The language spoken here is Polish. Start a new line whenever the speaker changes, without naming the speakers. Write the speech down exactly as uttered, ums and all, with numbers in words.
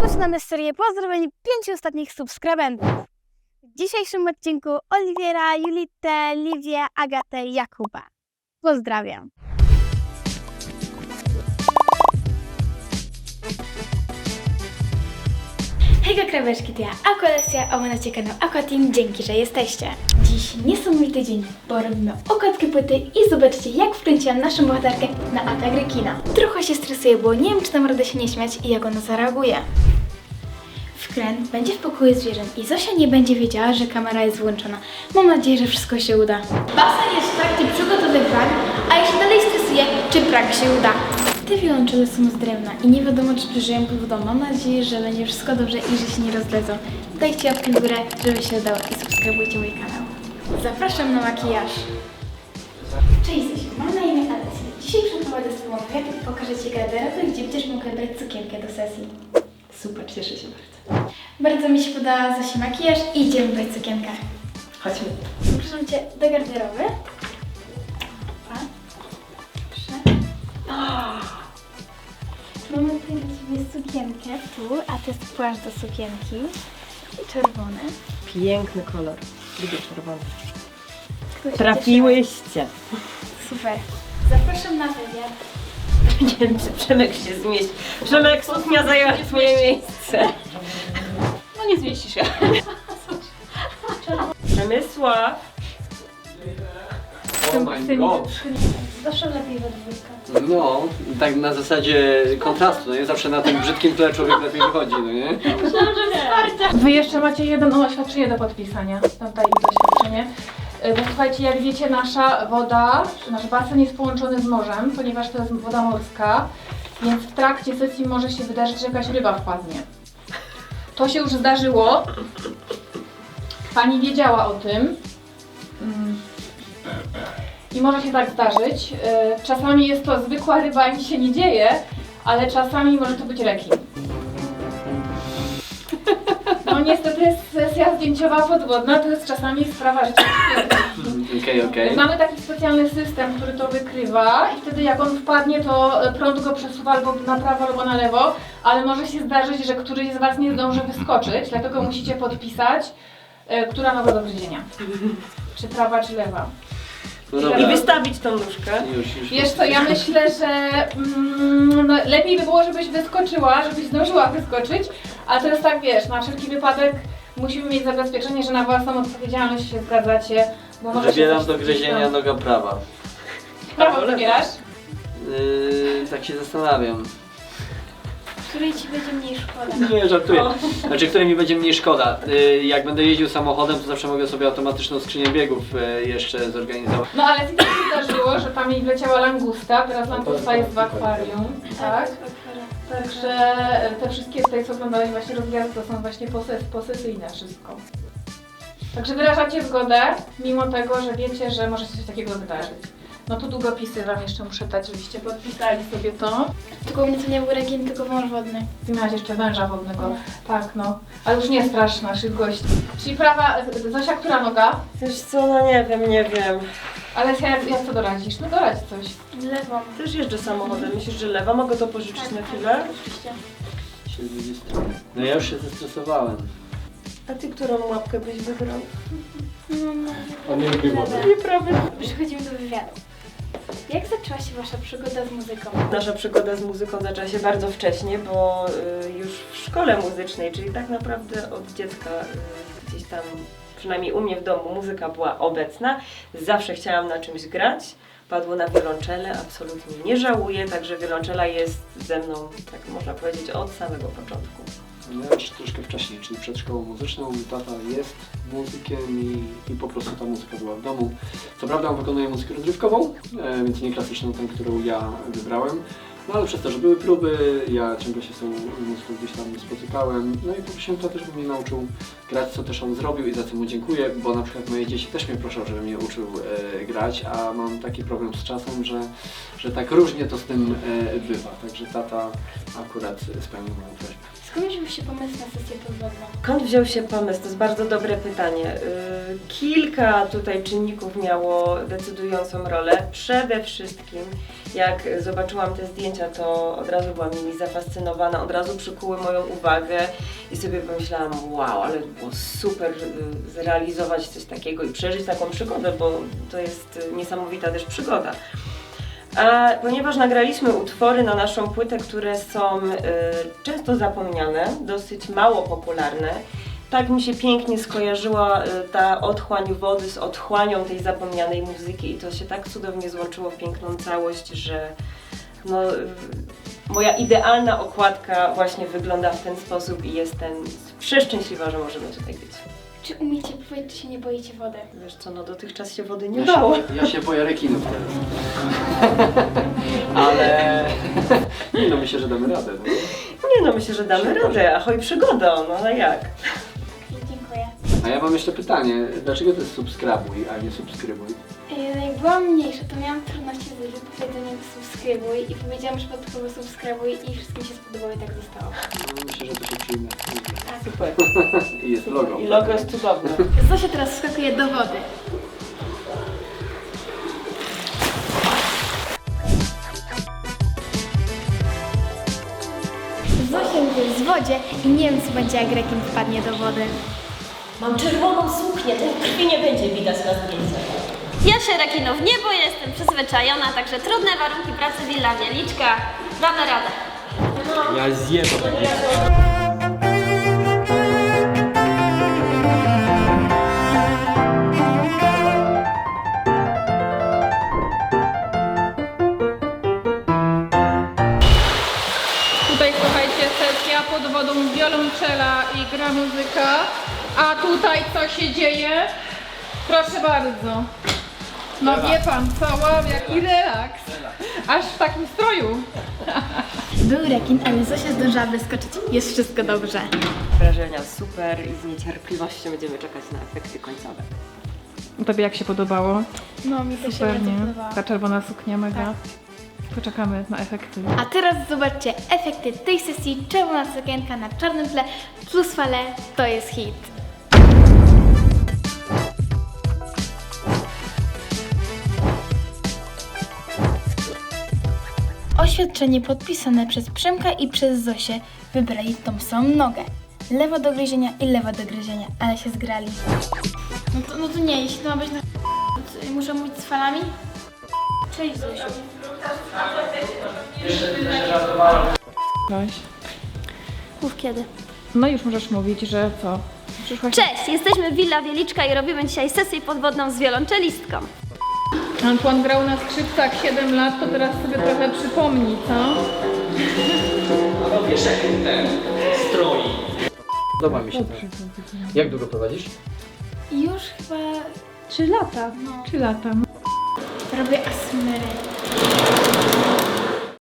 Rozpoczynamy serię pozdrowień pięciu ostatnich subskrybentów. W dzisiejszym odcinku Oliwiera, Julitę, Liwię, Agatę i Jakuba. Pozdrawiam. Hejka kraweczki, to ja Aqualessia, a wy macie kanał Aquateam, dzięki, że jesteście. Dziś niesamowity dzień, bo robimy okładkę płyty i zobaczcie, jak wkręciłam naszą bohaterkę na atak rekina. Trochę się stresuję, bo nie wiem, czy tam radę się nie śmiać i jak ona zareaguje. Wkręt będzie w pokoju zwierząt i Zosia nie będzie wiedziała, że kamera jest włączona. Mam nadzieję, że wszystko się uda. Basen jest w trakcie przygotowywań, a ja się dalej stresuję, czy prank się uda. Te wiolonczele są z drewna i nie wiadomo, czy przeżyją wodą. Mam nadzieję, że będzie wszystko dobrze i że się nie rozledzą. Dajcie łapkę w górę, żeby się udało i subskrybujcie mój kanał. Zapraszam na makijaż. Cześć Zosiu, mam na imię Alessia. Dzisiaj przeprowadzę z Tobą wywiad i pokażę Ci garderobę, gdzie będziesz mogła brać sukienkę do sesji.
Super, cieszę się bardzo.
Bardzo mi się podoba Zosi makijaż i idziemy brać sukienkę.
Chodźmy.
Zapraszam Cię do garderoby. A, proszę. Mamy tutaj dla Ciebie sukienkę tu, a to jest płaszcz do sukienki. Czerwony.
Piękny kolor. Lubię czerwony.
Tu się
Trafiłyście.
Super. Zapraszam na wywiad.
Nie wiem, czy Przemek się zmieści. Przemek, suknia zajęła swoje miejsce. No nie zmieścisz się. Przemysław.
Oh my god!
Zawsze lepiej we dwójkę.
No, tak na zasadzie kontrastu, no nie? Zawsze na tym brzydkim tle człowiek lepiej wychodzi, no nie?
Wy jeszcze macie jedno oświadczenie do podpisania. Tam daję oświadczenie. Bo słuchajcie, jak wiecie, nasza woda, nasz basen jest połączony z morzem, ponieważ to jest woda morska, więc w trakcie sesji może się wydarzyć, że jakaś ryba wpadnie. To się już zdarzyło. Pani wiedziała o tym. Mm. I może się tak zdarzyć. Czasami jest to zwykła ryba i nic się nie dzieje, ale czasami może to być rekin. No niestety sesja zdjęciowa podwodna to jest czasami sprawa życia.
Okej, okej.
Mamy taki specjalny system, który to wykrywa i wtedy jak on wpadnie, to prąd go przesuwa albo na prawo, albo na lewo, ale może się zdarzyć, że któryś z Was nie zdąży wyskoczyć, dlatego musicie podpisać, która ma go do gryzienia. Czy prawa, czy lewa.
No dobra.
I wystawić tą nóżkę.
Już, już
Wiesz co, ja myślę, że mm, no, lepiej by było, żebyś wyskoczyła, żebyś zdążyła wyskoczyć, a teraz tak wiesz, na wszelki wypadek musimy mieć zabezpieczenie, że na własną odpowiedzialność się zgadzacie, bo może
Wybieram
się
do
coś
gryzienia
tam-
noga prawa.
Prawo wybierasz?
Yy, tak się zastanawiam.
Której Ci będzie mniej szkoda?
Nie, żartuję. Znaczy, której mi będzie mniej szkoda. Yy, jak będę jeździł samochodem, to zawsze mogę sobie automatyczną skrzynię biegów yy, jeszcze zorganizować.
No ale tak się zdarzyło, że tam jej wleciała langusta, teraz langusta jest w akwarium, tak? Także te wszystkie tutaj, co oglądałeś właśnie rozgwiazdy, to są właśnie poses posesyjne wszystko. Także wyrażacie zgodę, mimo tego, że wiecie, że może się coś takiego wydarzyć. No tu długopisy Wam jeszcze muszę dać, żebyście podpisali sobie to.
Tylko u mnie to nie był rekin, tylko wąż wodny.
Ty miałaś jeszcze węża wodnego. Tak, no. Ale już nie strasz naszych gości. Czyli prawa, Zosia, która noga?
Wiesz co, no nie wiem, nie wiem.
Ale jak, jak co doradzisz? No doradź coś.
Lewą.
Też jeżdżę samochodem. Myślisz, że lewa? Mogę to pożyczyć na chwilę?
Oczywiście.
Się z drugiej strony. No ja już się zestresowałem.
A ty którą łapkę byś wybrał?
No, no.
On nie lubi wody.
Nieprawda.
Przechodzimy do wywiadu. Jak zaczęła się Wasza przygoda z muzyką?
Nasza przygoda z muzyką zaczęła się bardzo wcześnie, bo y, już w szkole muzycznej, czyli tak naprawdę od dziecka y, gdzieś tam, przynajmniej u mnie w domu, muzyka była obecna. Zawsze chciałam na czymś grać. Padło na wiolonczele, absolutnie nie żałuję, także wiolonczela jest ze mną, tak można powiedzieć, od samego początku.
Ja już troszkę wcześniej, czyli przed szkołą muzyczną. Mój tata jest muzykiem i, i po prostu ta muzyka była w domu. Co prawda on wykonuje muzykę rozrywkową, e, więc nie klasyczną, tę, którą ja wybrałem. No ale przez to, że były próby, ja ciągle się z tą muzyką gdzieś tam spotykałem. No i poprosiłem tatę, żeby mnie nauczył grać, co też on zrobił i za co mu dziękuję, bo na przykład moje dzieci też mnie proszą, żebym je uczył e, grać, a mam taki problem z czasem, że, że tak różnie to z tym e, bywa. Także tata akurat spełnił moją prośbę.
Skąd wziął się pomysł na sesję podwodną?
Skąd wziął się pomysł? To jest bardzo dobre pytanie. Yy, Kilka tutaj czynników miało decydującą rolę. Przede wszystkim, jak zobaczyłam te zdjęcia, to od razu byłam nimi zafascynowana, od razu przykuły moją uwagę i sobie pomyślałam, wow, ale było super yy, zrealizować coś takiego i przeżyć taką przygodę, bo to jest niesamowita też przygoda. A ponieważ nagraliśmy utwory na naszą płytę, które są y, często zapomniane, dosyć mało popularne, tak mi się pięknie skojarzyła y, ta otchłań wody z otchłanią tej zapomnianej muzyki i to się tak cudownie złączyło w piękną całość, że no, y, moja idealna okładka właśnie wygląda w ten sposób i jestem przeszczęśliwa, że możemy tutaj być.
Czy umiecie pływać, czy się nie boicie wody?
Wiesz co, no dotychczas się wody nie
Ja
dało.
się, ja się boję rekinów teraz. Ale nie no, myślę, że damy radę. No.
Nie no, myślę, że damy radę, ahoj przygoda, no ale jak?
Dziękuję.
A ja mam jeszcze pytanie, dlaczego to jest subskrybuj, a nie subskrybuj?
E, Jak byłam mniejsza, to miałam trudności z wypowiedzeniem subskrybuj i powiedziałam przypadkowo subskrybuj i wszystkim się spodobało i tak zostało.
No, myślę, że to się przyjmie.
Super.
I jest logo.
I logo jest cudowne.
Zosia teraz wskakuje do wody. Zosia jest w wodzie i nie wiem co będzie jak rekin wpadnie do wody.
Mam czerwoną suknię, tej krwi nie będzie widać na zdjęciach.
Ja się rekinów nie boję, jestem przyzwyczajona, także trudne warunki pracy Willa Wieliczka, damy radę.
Ja zjem to takie.
Tutaj słuchajcie, sesja pod wodą, wiolonczela i gra muzyka. A tutaj co się dzieje? Proszę bardzo. No wie pan co, wow, jaki relaks. Aż w takim stroju.
Był rekin, ale Zosia zdążyła wyskoczyć. Jest wszystko dobrze.
Wrażenia super i z niecierpliwością będziemy czekać na efekty końcowe.
Tobie jak się podobało?
No mi też się
Super,
bardzo
nie?
podobało.
Ta czerwona suknia mega.
Tak.
Poczekamy na efekty.
A teraz zobaczcie efekty tej sesji. Czerwona sukienka na czarnym tle plus fale to jest hit. Oświadczenie podpisane przez Przemka i przez Zosię wybrali tą samą nogę. Lewa do gryzienia i lewa do gryzienia, ale się zgrali. No to, no to nie, jeśli to ma być na... to muszę mówić z falami? Cześć Zosiu.
Weź.
Mów kiedy.
No już możesz mówić, że co? Przyszłaś...
Cześć, jesteśmy Willa Wieliczka i robimy dzisiaj sesję podwodną z wiolonczelistką.
Antoine grał na skrzypcach siedem lat, to teraz sobie trochę przypomni, co?
No wiesz jak ten stroi.
Podoba mi się to. Jak długo prowadzisz?
Już chyba
Trzy lata.
no,
Trzy lata.
robię asmery.